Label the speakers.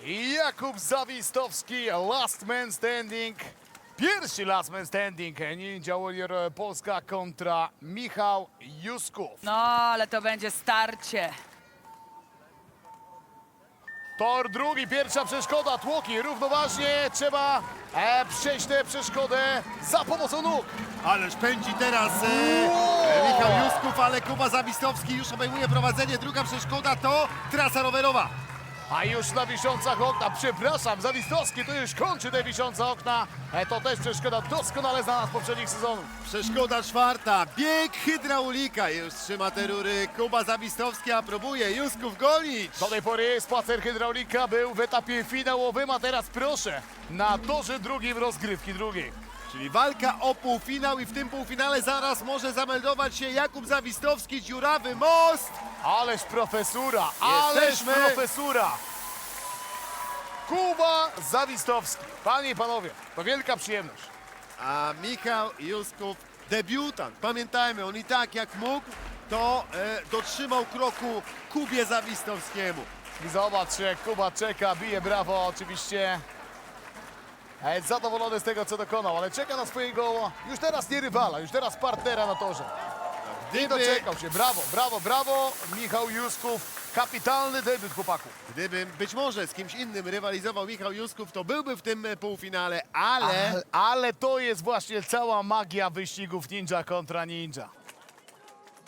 Speaker 1: Jakub Zawistowski, last man standing. Pierwszy last man standing. Ninja Warrior Polska kontra Michał Jusków.
Speaker 2: No, ale to będzie starcie.
Speaker 1: Tor drugi, pierwsza przeszkoda, tłoki. Równoważnie trzeba przejść tę przeszkodę za pomocą nóg.
Speaker 3: Ależ pędzi teraz Michał Jusków, ale Kuba Zawistowski już obejmuje prowadzenie. Druga przeszkoda to trasa rowerowa.
Speaker 1: A już na wiszącach okna, przepraszam, Zawistowski to już kończy te wiszące okna. To też przeszkoda doskonale znana z poprzednich sezonów.
Speaker 3: Przeszkoda czwarta, bieg hydraulika. Już trzyma te rury Kuba Zawistowski, a próbuje Jusków gonić.
Speaker 1: Do tej pory spacer hydraulika był w etapie finałowym, a teraz proszę, na torze drugim rozgrywki drugiej.
Speaker 3: Czyli walka o półfinał i w tym półfinale zaraz może zameldować się Jakub Zawistowski, dziurawy most.
Speaker 1: Ależ profesura, ależ
Speaker 3: Jesteśmy.
Speaker 1: profesura! Kuba Zawistowski. Panie i panowie, to wielka przyjemność.
Speaker 3: A Michał Jusków, debiutant. Pamiętajmy, on i tak jak mógł, to dotrzymał kroku Kubie Zawistowskiemu.
Speaker 1: I zobacz, jak Kuba czeka, bije brawo oczywiście. Jest zadowolony z tego, co dokonał, ale czeka na swojego, już teraz nie rywala, już teraz partnera na torze. I doczekał się, brawo, brawo, brawo. Michał Jusków, kapitalny debiut chłopaków.
Speaker 3: Gdyby być może z kimś innym rywalizował Michał Jusków, to byłby w tym półfinale, ale
Speaker 1: Ale to jest właśnie cała magia wyścigów ninja kontra ninja.